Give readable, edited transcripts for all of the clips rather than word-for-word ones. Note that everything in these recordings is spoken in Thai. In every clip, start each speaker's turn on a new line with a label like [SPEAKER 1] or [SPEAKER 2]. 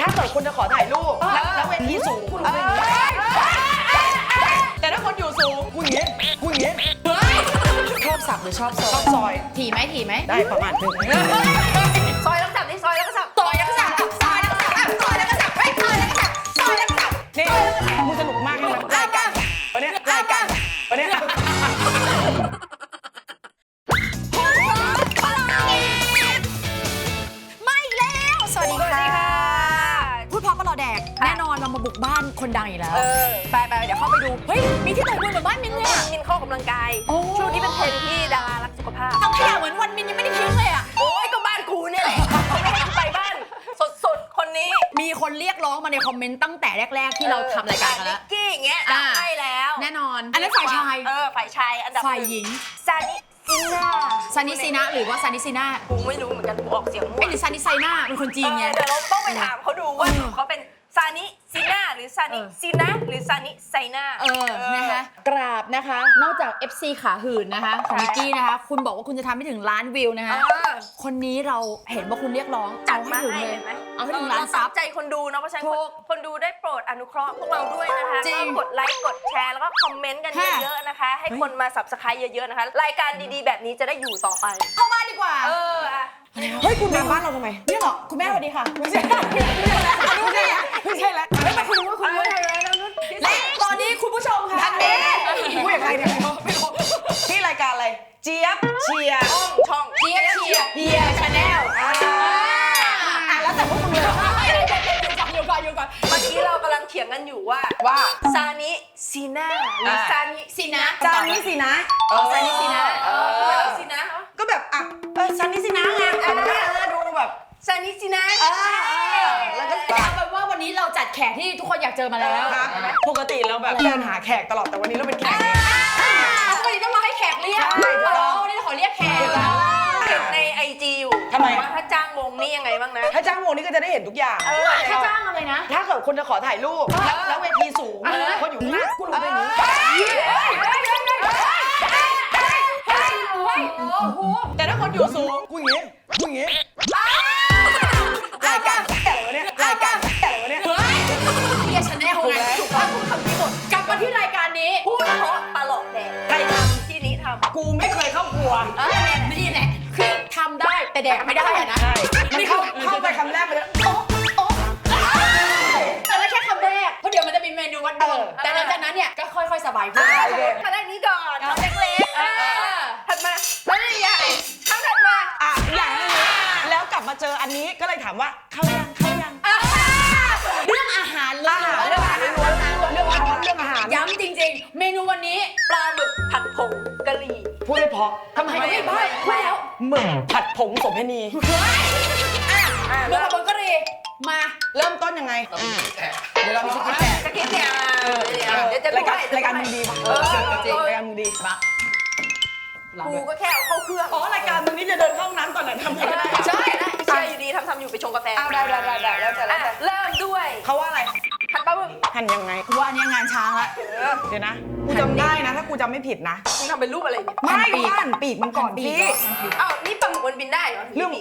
[SPEAKER 1] ถ้าเกิดคนจะขอถ่ายรูปแล้วเวทีสูงคุณรู้ไหมแต่ถ้าคนอยู่สูงกูอย่างงี้ชอบสับหรือชอบซอย
[SPEAKER 2] ถี่ไหม
[SPEAKER 1] ได้ประมาณนึง
[SPEAKER 2] ซอยแล้วก็สับนี่ซอยแล้วก็สับซอยแล้วก็สับซอยแล้วก็สับซอยแล้วก็สับซอยแล้วก็สับซอยแล้วก็สับ
[SPEAKER 1] นี่มึงสนุกมากเลยรายการวันนี้รายการวันนี้
[SPEAKER 2] ไม่แล้วสวัสดีค่ะพูดพอก็รอแดกแน่นอนเรามาบุกบ้านคนดังอีกแล้วไปเดี๋ยวเข้าไปดูเฮ้ยมีที่ไหนด้วยเหมือนบ้านมินเลยอ่ะ
[SPEAKER 3] มินเข้ากำลังกายช่วงนี้เป็นเทรนด์ที่ดารารักสุขภาพ
[SPEAKER 2] ทั้งขยะเหมือนวันมินยังไม่ได้ทิ้งเลยอ่ะ
[SPEAKER 3] โอ้ยก็บ้านกูเนี่ยแหละเขาไม่ให้กูไปบ้านสดคนนี้
[SPEAKER 2] มีคนเรียกร้องมาในคอมเมนต์ตั้งแต่แรกๆที่เราทำรายการกันแล้ว
[SPEAKER 3] นิกกี้อย่างเงี้ยใช่แล้ว
[SPEAKER 2] แน่นอนอันนั้นฝ่ายชาย
[SPEAKER 3] ฝ่ายชายอันดับ
[SPEAKER 2] ฝ่ายหญิง
[SPEAKER 3] ซานิ
[SPEAKER 2] ซีน่าหรือว่าซานิซีน่า
[SPEAKER 3] กูไม่รู้เหมือนกันกูออกเสียงมั่ว
[SPEAKER 2] หรือซานิไซน่าเป็นคนจีนไง
[SPEAKER 3] เดี๋ยวเราต้องไปถามเขาดูว่าเขาเป็นซานิซีน่าหรือซานิซีน่าหรือซานิไซน่า
[SPEAKER 2] นะคะกราบนะคะนอกจาก FC ขาหื่นนะคะของนิกกี้นะคะคุณบอกว่าคุณจะทำให้ถึงล้านวิวนะคะคนนี้เราเห็นว่าคุณเรียกร้อง
[SPEAKER 3] จัดมาให้
[SPEAKER 2] เลย
[SPEAKER 3] ไหม
[SPEAKER 2] เอาให้ถึงล้านซับ
[SPEAKER 3] ใจคนดูเนาะเพราะฉะนั้นคนดูได้โปรดอนุเคราะห์พวกเราด้วยนะคะก็กดไลค์กดแชร์แล้วก็คอมเมนต์กันเยอะๆนะคะให้คนมาสับสไครต์เยอะๆนะคะรายการดีๆแบบนี้จะได้อยู่ต่อไป
[SPEAKER 2] เข้าบ้านดีกว่า
[SPEAKER 1] เฮ้ยคุณมาบ้านเราทำไม
[SPEAKER 2] เนี่ยเหรอคุณแม่สวัสดีค่ะ
[SPEAKER 1] ไม่ใช่แล้ว
[SPEAKER 2] ไม่มาคุณรู้ว่าคุณรู้และตอนนี้คุณผู้ชมค่ะ
[SPEAKER 1] พูดอย่างไรเนี่ยไม่รู้ที่รายการอะไรเจี๊ยบเชียร์
[SPEAKER 3] ช่อง
[SPEAKER 2] เจี๊ยบเชียร์
[SPEAKER 3] เฮียชาแนล
[SPEAKER 2] แล้วแต่พวกคุณเลยอยู่ก่อน
[SPEAKER 3] เมื่อกี้เรากำลังเถียงกันอยู่ว่าซานิซีน่าหรือซานิซีนะ
[SPEAKER 1] ซานิซีนะ
[SPEAKER 3] ซานิซีนะซีนะ
[SPEAKER 1] ก็แบบซานิซีนะไงดูแบบ
[SPEAKER 3] ซานิซีนะ
[SPEAKER 2] แล้วก็เอาเป็นว่าวันนี้เราจัดแขกที่ทุกคนอยากเจอมาแล้ว
[SPEAKER 1] ปกติเราแบบเดินหาแขกตลอดแต่วันนี้เราเป็นแขก
[SPEAKER 2] วันนี้ต้องมาให้แขกเรียกวันนี้ขอเรียกแขก
[SPEAKER 3] ในIG อยู่
[SPEAKER 1] ทำไม
[SPEAKER 3] ว่าถ้าจ้างวงนี่ยังไงบ้างนะ
[SPEAKER 1] ถ้าจ้างวงนี่ก็จะได้เห็นทุกอย่าง
[SPEAKER 2] ถ้าจ้างอะไรนะ
[SPEAKER 1] ถ้าเกิดคนจะขอถ่ายรูปแล้วเวทีสูงคนอยู่ข้างหน้ากูรู้ได้ไงแต่ถ้าคนอยู่สูงกูอย่างงี้รายการแก่เนี่ยรายการแก่เนี่ย
[SPEAKER 2] เฮียชาแนลไงถูกต้องพูดคำนี้หมดกลับมาที่รายการนี้
[SPEAKER 3] พูดเพราะปลาหลอกแดก
[SPEAKER 1] ใครท
[SPEAKER 3] ำที่นี้ทำ
[SPEAKER 1] กูไม่เคยเข้าครัว
[SPEAKER 2] นี่แหละคือทำได้แต่แดกไม่ได้อะนะ
[SPEAKER 1] มันเข้าไปคำแรกไปแล้ว
[SPEAKER 2] แต่ไม่แค่คำแรกเพราะเดี๋ยวมันจะมีเมนูวัดดวงแต่หลังจากนั้นเนี่ยก็ค่อยๆสบายขึ้น
[SPEAKER 3] คำแรกนี้ก่อนเล็กๆถัดมาแล้วนี่ใหญ่คำถัดมา
[SPEAKER 1] อย่างนี้แล้วกลับมาเจออันนี้ก็เลยถามว่าเข้ายัง
[SPEAKER 2] เรื่องอาหารเลย
[SPEAKER 1] เรื่องอาหาร
[SPEAKER 2] ย้ำจริงๆเมนูวันนี้
[SPEAKER 3] ปลาหมึกผัดผงกะหรี่
[SPEAKER 1] พูดได้พอ
[SPEAKER 2] ทำไมไม่พูดแล้ว
[SPEAKER 1] หมึกผัดผงโสเภณี
[SPEAKER 2] หมึกผัดผงกะหรี่มา
[SPEAKER 1] เริ่มต้นยังไงเดี๋ยวเรามีสคริปต์
[SPEAKER 3] เนี่ยเดี๋ยวจะ
[SPEAKER 1] รายการมึงดีรายการมึงดี
[SPEAKER 3] กูก็แค่เอาเข้าเครื่อง
[SPEAKER 1] รายการมึงนี่จะเดินเข้าน้ำก่อนหน่อยทำยังไง
[SPEAKER 3] ใช่อยู่ดีทำอยู่ไปชงกาแฟ
[SPEAKER 1] ได้แล้ว
[SPEAKER 3] เริ่มด้วย
[SPEAKER 1] เขาว่าอะไร
[SPEAKER 3] หั่นปลาหมึก
[SPEAKER 1] หั่นยังไง
[SPEAKER 2] ว่าอันนี้งานช้างละ
[SPEAKER 1] เดี๋ยวนะกูจำได้นะถ้ากูจำไม่ผิดนะ
[SPEAKER 3] มึงทำเป็นรูปอะไรเนี่ย
[SPEAKER 1] ไม่กูหั่นปีกมันก่อนพี่
[SPEAKER 3] นี่ปลาหมึกมันบินได้เหรอ
[SPEAKER 1] เรื่อง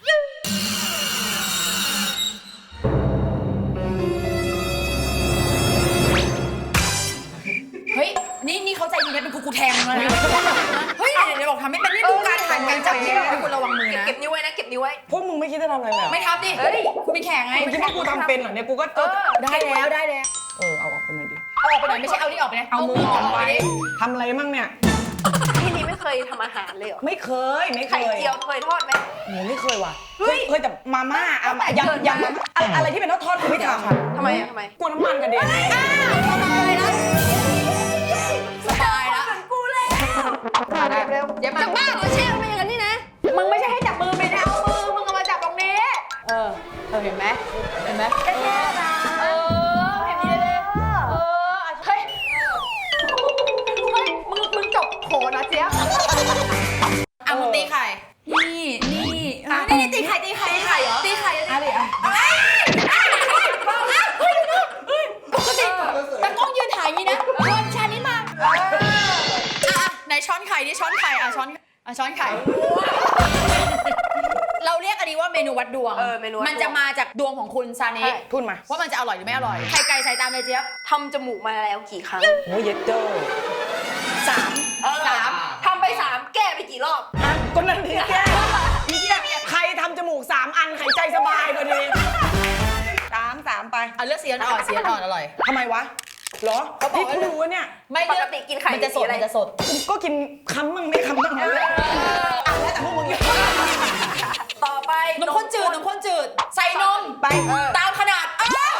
[SPEAKER 2] เฮ้ยนี่เขาใจดีนะเป็นกูแทงเลยเฮ้ยเดี๋ยวบอกทำไม่เป็นนี่ดูการถ่ายการจับที่ให้คุณระวังมือนะ
[SPEAKER 3] เก็บนิ้วไว้นะเก็บนิ้วไว้
[SPEAKER 1] พวกมึงไม่คิดจะทำอะไรเลย
[SPEAKER 2] ไม่ทำดิคุณเป็นแข่งไง
[SPEAKER 1] มึงคิดว่ากูทำเป็นเหรอเนี่ยกูก็
[SPEAKER 2] ได้แล้ว
[SPEAKER 1] เอาออกไปหน่อยดิ
[SPEAKER 2] เอาออกไปหน่อยไม่ใช่เอานี่ออกไปนะ
[SPEAKER 1] เอามือออกไปทำอะไรมั่งเนี่ย
[SPEAKER 3] ที่นี่ไม่เคยทำอาหารเลยเหรอ
[SPEAKER 1] ไม่เคย
[SPEAKER 3] ไข่เจียวเคยทอดไหม
[SPEAKER 1] หนูไม่เคยว่ะเคยแต่มาม่ายำอะไรที่เป็นทอดกูไม่ทำ
[SPEAKER 3] ทำไม
[SPEAKER 1] กลัวน้ำมันกระเด็น
[SPEAKER 2] สบายแล้ว
[SPEAKER 3] กูเลย
[SPEAKER 2] เร็วอย่ามา
[SPEAKER 3] บ้าเหรอเชี่ยไม่อย่างนี้นะ
[SPEAKER 2] มึงไม่ใช่ให้จับมือไม่ได้เอามือมึงเอามาจับตรงนี้เห็นไหม
[SPEAKER 3] แค่นะ
[SPEAKER 2] เห็นดีเลยเฮ้ยมึงจบโหนะเจี๊ยบมึงตีไข่นี่ตีไข่เหรอตีไข่อะไรปกติแต่กล้องยืนถ่ายอย่างนี้นะคนชานี้มาไหนช้อนไข่ดิช้อนไข่ช้อนไข่เราเราเรียกอันนี้ว่าเมนูวัดดวง
[SPEAKER 3] เมนูวัดดวง
[SPEAKER 2] มันจะมาจากดวงของคุณซานิ
[SPEAKER 1] พูดมา
[SPEAKER 2] ว่ามันจะอร่อยหรือไม่อร่อยไข่ไก่ใส่ตามเลยเจี๊ยบ
[SPEAKER 3] ทำจมูกมาแล้วกี่ครั้ง
[SPEAKER 1] โอ้ยเย็ดเจ้าสาม
[SPEAKER 3] ทำไป 3 แก้ไปกี่รอบ
[SPEAKER 1] ก็นั่นพี่แกพี่แกใครทำจมูก3 อันหายใจสบายกว่านี้สามไป
[SPEAKER 2] เอาเลือกสีอ่อนๆสีอ่อนๆอร่อย
[SPEAKER 1] ทำไมวะเหรอพี่กูรู้ว่าเนี่ย
[SPEAKER 2] ไม่
[SPEAKER 3] ปกติกินไข่
[SPEAKER 2] มันจะสด
[SPEAKER 3] สีอะไร
[SPEAKER 2] มันจะสด
[SPEAKER 1] กูก็กินคำบ้างไม่คำบ้างแล้วแต่พวกมึง
[SPEAKER 3] ต่อไป
[SPEAKER 2] นมข้นจืดใส่นม
[SPEAKER 1] ไป
[SPEAKER 2] ตามขนาด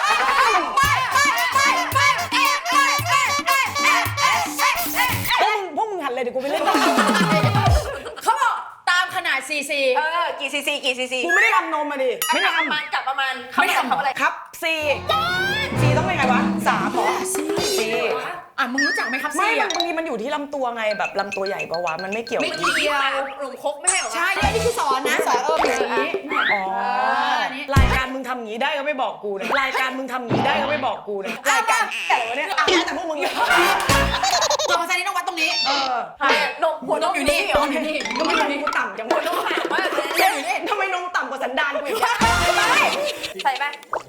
[SPEAKER 1] พวกมึงหันเลยเดี๋ยวกูไปเล่น
[SPEAKER 2] เขาบอกตามขนาดซีซี
[SPEAKER 3] กี่ซีซี
[SPEAKER 1] กูไม่ได้ทำนมมาดิไม่ได้ทำ
[SPEAKER 3] ประมาณเขาไม่ทำอะไร
[SPEAKER 1] ครับซีต้องเป็นไงวะ3เหรอซี
[SPEAKER 2] มึงรู้จักไหมครับ
[SPEAKER 1] ไม่
[SPEAKER 2] ซี
[SPEAKER 1] บางทีมันอยู่ที่ลำตัวไงแบบลำตัวใหญ่ปะวะมันไม่เกี่ยว
[SPEAKER 2] ไม่เกี่ยว
[SPEAKER 3] หลุมคกไม่ใช่เหรอ
[SPEAKER 2] ใช่นี่คือสอนนะสอนอย่างนี้
[SPEAKER 1] อ๋อรายการมึงทำอย่างนี้ได้ก็ไม่บอกกูนะรายการมึงทำอย่างนี้ได้ก็ไม่บอกกูนะรายการแต่วะเนี่ยแต่พวกมึง
[SPEAKER 2] ตัวของซานิต้องวัดตรงนี้
[SPEAKER 3] นมหัวนมอยู่นี่
[SPEAKER 2] นมอยู่นี่
[SPEAKER 1] ก็ไม่นมกูต่ำจังวะ
[SPEAKER 3] นมห่างมากเลย
[SPEAKER 1] ทำไมนมต่ำกว่าสันดานกูอีก
[SPEAKER 3] ใส่ไป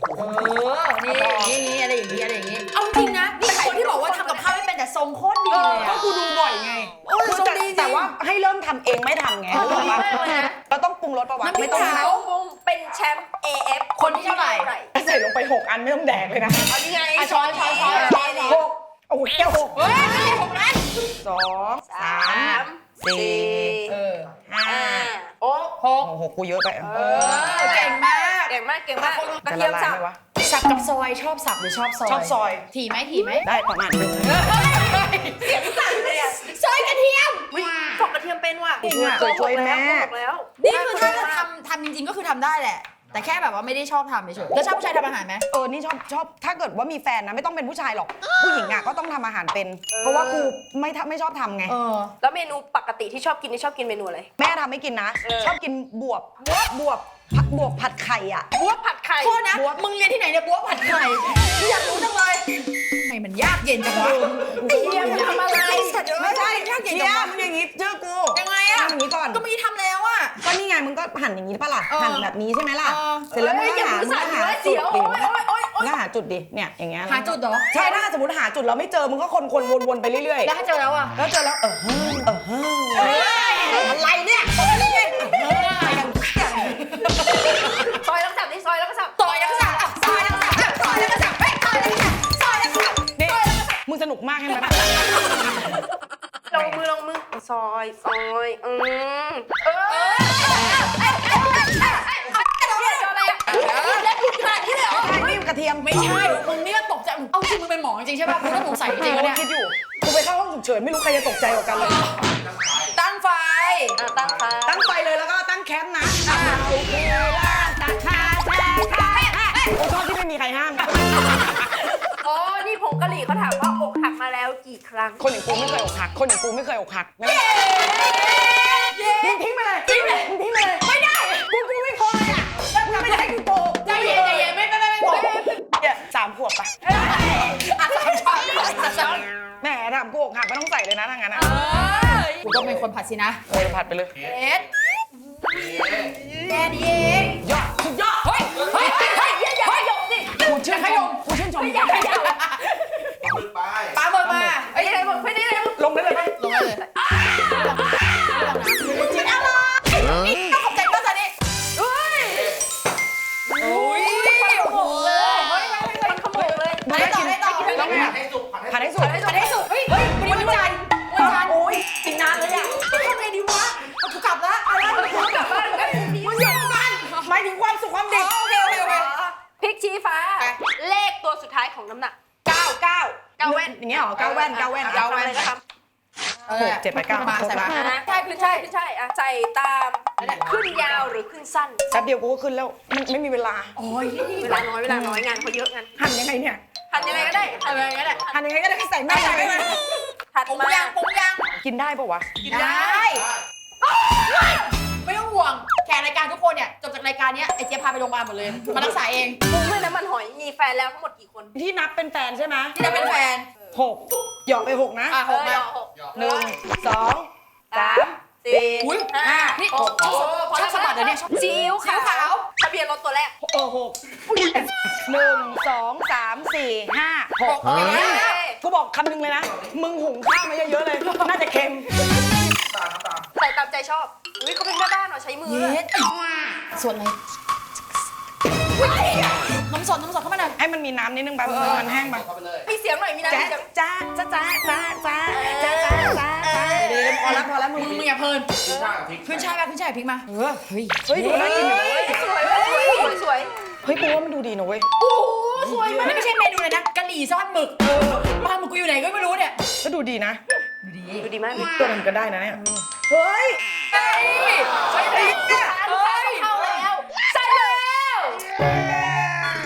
[SPEAKER 2] นี่อะไรอย่างนี้เอาจริงนะนี่คนที่บอกว่าทำกับข้าวไม่เป็นแต่ทรงโคตรดีเลย
[SPEAKER 1] ก็กูดูบ่อยไงแต่ว่าให้เริ่มทำเองไม่ทำไงรู้ป่ะเราต้องปรุงรสประวัติไม่ต้อง
[SPEAKER 3] เขาเป็นแชมป์ AF
[SPEAKER 2] คนที่เท่าไหร่
[SPEAKER 1] ใส่ลงไป6 อันไม่ต้องแดกเลยนะ
[SPEAKER 3] เอานี่ไง
[SPEAKER 2] ช้อน
[SPEAKER 1] 6โอ้โหแก้ว6
[SPEAKER 2] เฮ้ยไม่ใช่6นั้น
[SPEAKER 1] 2 3 4
[SPEAKER 3] 5
[SPEAKER 1] โอ้โหกูเยอะไป
[SPEAKER 2] เก่งมาก
[SPEAKER 3] เก่งมากกระ
[SPEAKER 1] จะ
[SPEAKER 3] เที
[SPEAKER 1] ละ
[SPEAKER 3] ยม
[SPEAKER 1] ลาย
[SPEAKER 3] สับ
[SPEAKER 1] ไหมวะ
[SPEAKER 2] สับกับซอยชอบสับหรือชอบซอย
[SPEAKER 1] ชอบซอย
[SPEAKER 2] ถี่ไหม
[SPEAKER 1] ได้ประมาณนึง
[SPEAKER 3] เสียงสั่นเลยอ่ะ
[SPEAKER 2] ซอยกระเทียม
[SPEAKER 3] ปอกกระเทียมเป็นว่ะ
[SPEAKER 1] เคยช่วยแม่
[SPEAKER 3] แล้ว
[SPEAKER 2] นี่คือถ้าจะทำจริงๆก็คือทำได้แหละ แต่แค่แบบว่าไม่ได้ชอบทำเฉยๆแล้วชอบผู้ชายทำอาหารไหม
[SPEAKER 1] นี่ชอบถ้าเกิดว่ามีแฟนนะไม่ต้องเป็นผู้ชายหรอก ผู้หญิงอ่ะก็ต้องทำอาหารเป็น เพราะว่ากูไม่ชอบทำไง
[SPEAKER 3] แล้วเมนูปกติที่ชอบกินนี่ชอบกินเมนูอะไร
[SPEAKER 1] แม่ทำให้กินนะ ชอบกินบวบผัดไข่อ่ะ
[SPEAKER 3] บัวผัดไข่
[SPEAKER 2] โทษนะ มึงเรียนที่ไหนเนี่ยบัวผัดไข่อยากรู้จังเลยทำไมมันยากเย็นจังวะ
[SPEAKER 3] เทียมทำอะไร
[SPEAKER 1] ไม่ใช่
[SPEAKER 2] ยากเย็น
[SPEAKER 1] เชี
[SPEAKER 2] จั
[SPEAKER 1] ย
[SPEAKER 2] งวะ
[SPEAKER 1] มึงอย่างงี้เจอกู
[SPEAKER 2] ยังไงอะ
[SPEAKER 1] ทำอย่างนี้ก่อน
[SPEAKER 2] ก็ไม่ได้ทำแล้วอะ
[SPEAKER 1] ก็นี่ไงมึงก็หั่นอย่างนี้ป่ะล่ะ หั่นแบบนี้ใช่ไหมล่ะ
[SPEAKER 2] เออ
[SPEAKER 1] เสร็จแล้วมึงก็หา
[SPEAKER 3] อย่ามือสั่น
[SPEAKER 1] หา
[SPEAKER 3] เลย
[SPEAKER 1] จุ
[SPEAKER 3] เสี
[SPEAKER 1] ด
[SPEAKER 3] ยว
[SPEAKER 1] ดิ
[SPEAKER 3] โอ๊ย
[SPEAKER 1] แล้วหาจุดดิ เนี่ยอย่างเงี้ย
[SPEAKER 2] หาจุดเหรอ
[SPEAKER 1] ใช่ถ้าสมมติหาจุดแล้วไม่เจอมึงก็คนวนๆไปเรื่อย
[SPEAKER 2] แล้วถ้าเจอแล้วอะ
[SPEAKER 1] ๆ แล้วเจอแล้วอะไรเนี่ยนี่ไง
[SPEAKER 3] ซอยแล้วก็สับนี่ซอยแล้วก็สับ
[SPEAKER 2] ต่อยแล้วก็สับซอยแล้วก็สับซอยแล้วก็สับซอยแล้วก็สับซอยแล้วก็สับ
[SPEAKER 1] นี่มึงสนุกมากใช่ไหม
[SPEAKER 3] ลงมือซอยอะไรอ่ะเล็กขนาดนี้เลยเหรอ
[SPEAKER 1] นี่กระเทียม
[SPEAKER 2] ไม่ใช่ มึงเนี่ยตกใจเอาจริงมึงเป็นหมอจริงใช่ป่ะกูต้องสงสัยจริงๆเนี่ย
[SPEAKER 1] คิดอยู่กูไปเข้าห้องฉุกเฉินไม่รู้ใครจะตกใจกว่ากันเลย
[SPEAKER 2] ตั้งไฟ
[SPEAKER 3] ตั้งไฟ
[SPEAKER 1] เลยแล้วก็ตั้งแคมป์นะโอ้ชอบที่ไม่มีใครห้าม
[SPEAKER 3] อ๋อนี่ผงกะหรี่เขาถามว่าอกหักมาแล้วกี่ครั้ง
[SPEAKER 1] คนอย่างกูไม่เคยอกหัก คนอย่างกูไม่เคยอกหักนะมึงทิ้งไปเลยมึงทิ้งไปเลย
[SPEAKER 2] ไม่ได้
[SPEAKER 1] กูไม่พอเลยอ่ะมึงไม่ได้ให้กูโกง
[SPEAKER 2] ใจเย็นไม่บอก
[SPEAKER 1] เนี่ย3 ขวบไป แหมถามกูอกหักไม่ต้องใส่เลยนะทางนั้นอ่ะ
[SPEAKER 2] กูก็เป็นคนผัดสินะ
[SPEAKER 1] ผัดไปเลย
[SPEAKER 2] เอ็ดแค่นี้เอง
[SPEAKER 1] ยอดสุดยอด
[SPEAKER 2] เฮ้ยอย่าขยมดิ
[SPEAKER 1] กูชื่นชมกูชื่นชม
[SPEAKER 2] อย่าขยมปลาหมดมา
[SPEAKER 3] ไอ้ยังไงบอกไม่ได้เลย
[SPEAKER 1] ลงได้เลยไหม
[SPEAKER 2] ลงเลยจินอะไรต้องขอบใจป้าซานิโอ้ยโอ้โห
[SPEAKER 3] มันขโมยเลย
[SPEAKER 2] ให้ต่อ
[SPEAKER 1] แล้วไงผัดให้สุก
[SPEAKER 2] ผัดให้สุกเฮ้ยวันนี้วันจันทร์
[SPEAKER 1] โอ้ยกินนานเลยอ่ะ
[SPEAKER 2] ทำไงดีวะเอากูกลับละอะไรกูกลับบ้านกัน
[SPEAKER 1] มึงอยู่กันหมายถึงความสุขความดิบ
[SPEAKER 2] โอเค
[SPEAKER 3] พริกชี้ฟ้า เลขตัวสุดท้ายของน้ำหนัก
[SPEAKER 1] 9 แว่นอย่างเงี้ยเหรอ9 แว่น
[SPEAKER 3] 9 แว่นอะไรก็ทำ
[SPEAKER 1] 6 7 8 9
[SPEAKER 2] มาใส่มา
[SPEAKER 3] ใช่คือใช่ใส่ตามขึ้นยาวหรือขึ้นสั้น
[SPEAKER 1] แป๊บเดียวกูก็ขึ้นแล้วมันไม่มีเวลา
[SPEAKER 2] โอ้ย
[SPEAKER 3] เวลาน้อยงานเขาเยอะงาน
[SPEAKER 1] หั่นยังไงเนี่ย
[SPEAKER 3] ทำยังไงก็ได้
[SPEAKER 2] อะไรอย่างเงี้ยแหละ
[SPEAKER 1] หั่นยังไงก็ได้ให้ใส่แม่ใส่ไปเลย
[SPEAKER 3] ถัด
[SPEAKER 2] ปรุง
[SPEAKER 3] มา
[SPEAKER 2] ยัง
[SPEAKER 1] กินได้ปะวะ
[SPEAKER 2] กินได้ไม่ต้องห่วงแขกรายการทุกคนเนี่ยจบจากรายการนี้ไอ้เจี๊ยบพาไปโรงพยาบาลหมดเลยมารักษาเอง
[SPEAKER 3] ปรุงด้วยน้ำมันหอยมีแฟนแล้วทั้งหมดกี่คน
[SPEAKER 1] ที่นับเป็นแฟนใช่ไหม
[SPEAKER 2] ที่จะเป็นแฟน
[SPEAKER 1] 6หยอกไป6นะ
[SPEAKER 2] 6มา
[SPEAKER 1] 1 2 3
[SPEAKER 3] 4
[SPEAKER 2] อุ้ย
[SPEAKER 3] 5
[SPEAKER 2] นี่
[SPEAKER 3] 6
[SPEAKER 2] ชอบสะบัดเลยเนี่ยชอบซีอิ๊ว
[SPEAKER 3] ขาว
[SPEAKER 2] ขาว
[SPEAKER 3] ทะเบียนรถตัวแรก
[SPEAKER 1] 1 2 3 4 5 6 กูบอกคำหนึงเลยนะ มึงหุงข้าวมาเยอะๆเลย น่าจะเค็ม
[SPEAKER 3] ใส่ตามใจชอบอุ้ยเขาเป็นแม่บ้านเหรอใช้มือ
[SPEAKER 2] เย็ดส่วนอะไรน้ำสดเข้ามาหน่อย
[SPEAKER 1] ให้มันมีน้ำนิดนึงไปมันแห้งไป
[SPEAKER 3] มีเสียงหน่อยมีนะ
[SPEAKER 1] จ้า
[SPEAKER 3] มีเสียง
[SPEAKER 1] จ้าจ้าจ้าจ้าจ้าจ้าจ้าจ้าดีพอแล้วมึง
[SPEAKER 2] มึงอย่าเพลินขึ้นช่ายป่ะขึ้นช่ายพริกมาเฮ้ย
[SPEAKER 1] เฮ้ยดูน่ากินอยู่เว้ย
[SPEAKER 3] สวยสวย
[SPEAKER 1] เฮ้ยกูว่ามันดูดีนะเว้ย
[SPEAKER 2] โอ้สวยมากนี่ไม่ใช่เมนูเลยนะกะหรี่ซ่อนหมึกปลาหมึกกูอยู่ไหนก็ไม่รู้เนี่ย
[SPEAKER 1] ก็ดูดีนะ
[SPEAKER 3] ดูดีมาก
[SPEAKER 1] ตัวมันก็ได้นะเนี่ยเฮ้ย
[SPEAKER 2] ใช่พริกเนี่ยเฮ้ยเข้าแล้วใส่แล้ว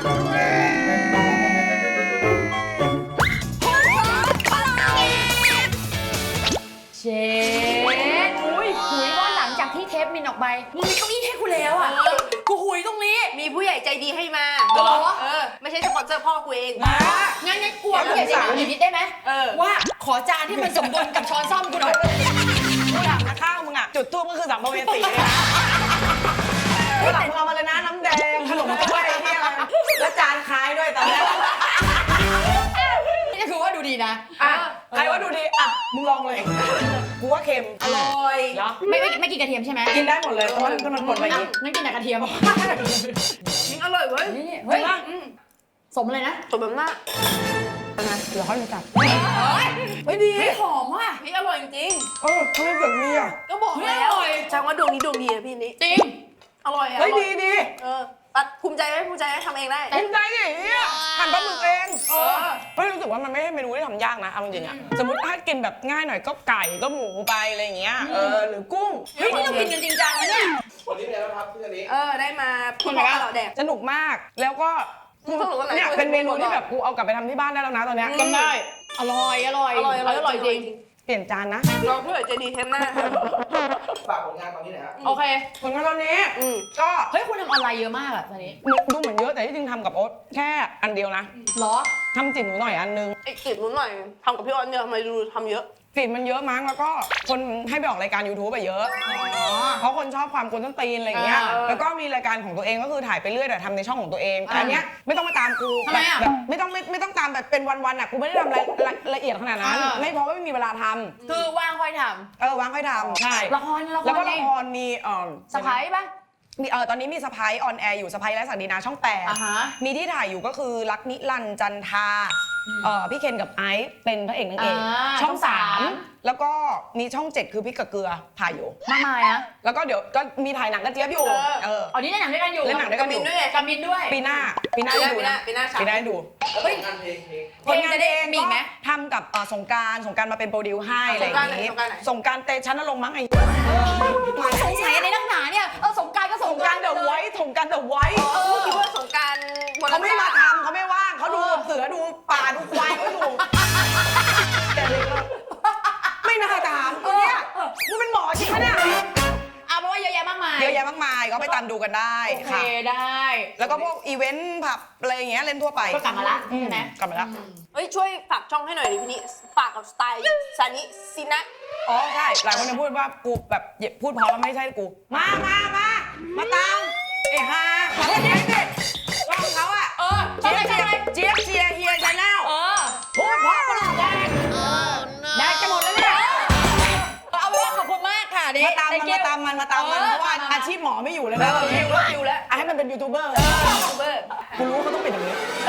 [SPEAKER 2] เชฟอุ้ยหุยว่าหลังจากที่เทปมินออกไปมึงมีเก้าอี้ให้กูแล้วอ่ะกูหุยตรงนี้
[SPEAKER 3] มีผู้ใหญ่ใจดีให้มา
[SPEAKER 2] เหรอ
[SPEAKER 3] ไม่ใช่สปอนเซอร์พ่อกูเอง
[SPEAKER 2] งั้นกลัวมึงอยากจะถามอีกนิดได้ไหมว่าขอจานที่มันสมดุลกับช้อนซ่อมกูหน่อย
[SPEAKER 1] กูถามนะข้าวมึงอ่ะจุดทูบก็คือสัมภเวสีเลยนะหลังมึงเอามาเลยนะน้ำแดงขนมถ้วยที่อะไรแล้วจานคล้ายด้วยตอนแรก
[SPEAKER 2] นี่คือว่าดูดีนะ
[SPEAKER 1] อ่ะใครว่าดูดีอ่ะมึงลองเลยกูว่าเค็ม
[SPEAKER 3] อร่อย
[SPEAKER 1] เหรอ
[SPEAKER 2] ไม่กินกระเทียมใช่ไหม
[SPEAKER 1] กินได้หมดเลยเพราะมันปนไปอีก
[SPEAKER 2] งั้นกินแต่กระเทียม
[SPEAKER 3] อร่อยเว้ย
[SPEAKER 2] นี่เฮ้ยสมเลยนะ
[SPEAKER 3] สมแบบหน้า
[SPEAKER 1] เดี๋ยวเขาจะจับ
[SPEAKER 2] ไม่ดีเฮ้ยหอมว่ะ
[SPEAKER 3] พี่อร่อยจริง
[SPEAKER 1] เขาไม่เกิดมีอ่ะ
[SPEAKER 3] ก็บอกแล้วแสดงว่าดวงนี้ดวงดีอะพี่นี่
[SPEAKER 2] จริง
[SPEAKER 3] อร่อยอะ
[SPEAKER 1] เฮ้ยดี
[SPEAKER 3] ปัดภูมิใจไหมภูมิใจไหมทำเองได้
[SPEAKER 1] ภูมิใจดิเนี่ยหั่นปลาหมึกเอง
[SPEAKER 3] อ
[SPEAKER 1] ไม่รู้สึกว่ามันไม่ใช่เมนูที่ทำยากนะเอาจริงๆอ่ะสมมติถ้ากินแบบง่ายหน่อยก็ไก่ก็หมูไปอะไรอย่างเงี้ยหรือกุ้ง
[SPEAKER 2] เฮ้ยนี่เรากินกันจริงจังนะเนี่ย
[SPEAKER 4] วันนี้เป็นไงบ้างครับเพื่อนนี้
[SPEAKER 3] ได้มาคุณพ่อเราแดก
[SPEAKER 1] สนุกมากแล้วก็
[SPEAKER 3] สนุกอะไร
[SPEAKER 1] เนี่ยเป็นเมนูที่แบบกูเอากลับไปทำที่บ้านได้แล้วนะตอนเนี้ยจำได้
[SPEAKER 2] อร่อยจริง
[SPEAKER 1] เปลี่ยนจานนะ
[SPEAKER 3] เราผู้ใหญ่ใจดีเทมหน้า
[SPEAKER 4] ฝากผลงานตอนนี้หน่อยครับ
[SPEAKER 2] โอเค
[SPEAKER 1] ผลงานตอนนี้ก็
[SPEAKER 2] เฮ้ยคุณทำออนไลน์เยอะมากอะตอนนี้
[SPEAKER 1] ดูเหมือนเยอะแต่ที่จริงทำกับโอ๊ตแค่อันเดียวนะ
[SPEAKER 2] เหรอ
[SPEAKER 1] ทำจิ๋มหนูหน่อยอันนึง
[SPEAKER 3] ไอ้กิจนู้นหน่อยทำกับพี่ออนเนี่ยทำไมดูทำเยอะ
[SPEAKER 1] กลิ่นมันเยอะมั้งแล้วก็คนให้ไปออกรายการ YouTube ไปเยอะเพราะคนชอบความกวนต้นตีนอะไรอย่างเงี้ยแล้วก็มีรายการของตัวเองก็คือถ่ายไปเรื่อยแต่ทำในช่องของตัวเองแต่อันเนี้ยไม่ต้องมาตามกู
[SPEAKER 2] ทำไมอะ
[SPEAKER 1] แบบไม่ต้องตามแบบเป็นวันๆอ่ะกูไม่ได้ทำละเอียดขนาดนั้นไม่เพราะว่าไม่มีเวลาทำ
[SPEAKER 2] คือว่างค่อยท
[SPEAKER 1] วางค่อยทำใช่
[SPEAKER 2] ำละคร
[SPEAKER 1] แล้วก็ละครมี
[SPEAKER 2] สไปร์ป่ะ
[SPEAKER 1] มีตอนนี้มีสไปร์ออนแอร์อยู่สไปร์และศักดินาช่อง
[SPEAKER 2] อ่าฮะ
[SPEAKER 1] 8มีที่ถ่ายอยู่ก็คือรักนิรันดร์จันทราพี่เคนกับไอซ์เป็นพระเอกนางเอก ช่อง 3 แล้วก็มีช่อง 7 คือพริกกับเกลือถ่ายอยู่
[SPEAKER 2] มากมายอะ
[SPEAKER 1] แล้วก็เดี๋ยวก็มีถ่ายหนังกระเจี๊ยบอยู่
[SPEAKER 2] อ๋อนี่เล่นหนังด้วยกันอยู่
[SPEAKER 1] เล่นหนังด้วยกันอยู่
[SPEAKER 2] กับมินด้วย
[SPEAKER 1] ปีหน้าได้ดูนะ
[SPEAKER 3] ปีหน้า
[SPEAKER 1] ปีหน้าได้ดู
[SPEAKER 4] แล้วผลงานเพลง
[SPEAKER 2] เพลงจะได้มีอีกไหม
[SPEAKER 1] ทำกับสงกรารมาเป็นโปรดิวให้อะไรอย่างงี้สงกรารเตชันนรงค์มั้งไอ้
[SPEAKER 2] สงสัยอะไรนักหนาเนี่ยสงกรารก็ส
[SPEAKER 1] ส
[SPEAKER 2] ง
[SPEAKER 1] ง
[SPEAKER 2] ก
[SPEAKER 1] ก
[SPEAKER 2] รา
[SPEAKER 1] รา
[SPEAKER 2] ร
[SPEAKER 1] รเดอะไวท์สงกรารเดอะไวท์
[SPEAKER 3] คิดว่าสงการวัน
[SPEAKER 1] เขาไม่มาทำเขาไม่ว่างเขาดูเสือดูป่าดูควายเขาอยู่แต่เลยก็ไม่น่าถามตัวเนี้ยมึงเป็นหมอจริงไหมเนี่ย
[SPEAKER 2] เอาเป็นว่าเยอะแยะมากมาย
[SPEAKER 1] เยอะแยะมากมายก็ไปตามดูกันได้
[SPEAKER 2] โอเค
[SPEAKER 1] ค่ะ
[SPEAKER 2] ได้
[SPEAKER 1] แล้วก็พวกอีเวนต์ผับอะไรอย่างเงี้ยเล่นทั่วไป
[SPEAKER 2] ก็กลับมาละใช่ไหม
[SPEAKER 1] กลับมาแล้ว
[SPEAKER 3] เฮ้ยช่วยฝากช่องให้หน่อยดิพี่นี่ฝากกับสไตล์ซานิซินะ
[SPEAKER 1] อ๋อใช่หลายคนจะพูดว่ากูแบบพูดเพราะแล้วไม่ใช่กูมาตามเอ้ฮ่าขอโทษทีสิช่องเขาอะ
[SPEAKER 2] ใช่ใช่
[SPEAKER 1] เจี๊ยบเชียร์เฮียชาแนล
[SPEAKER 2] เออ
[SPEAKER 1] พูดเพราะประหลาดแดงแดงจะหมดแล้วเนี่ย
[SPEAKER 2] เอาเป็นว่าขอบคุณมากค่ะดิ
[SPEAKER 1] มาตามมันเพราะว่าอาชีพหมอไม่อยู่แล้วนะตอนนี้
[SPEAKER 3] อยู่แล้ว
[SPEAKER 1] ให้มันเป็นยูทูบเบอร์
[SPEAKER 3] ยูทูบเบอร์
[SPEAKER 1] กูรู้เขาต้องเป็นอย่างนี้
[SPEAKER 3] เ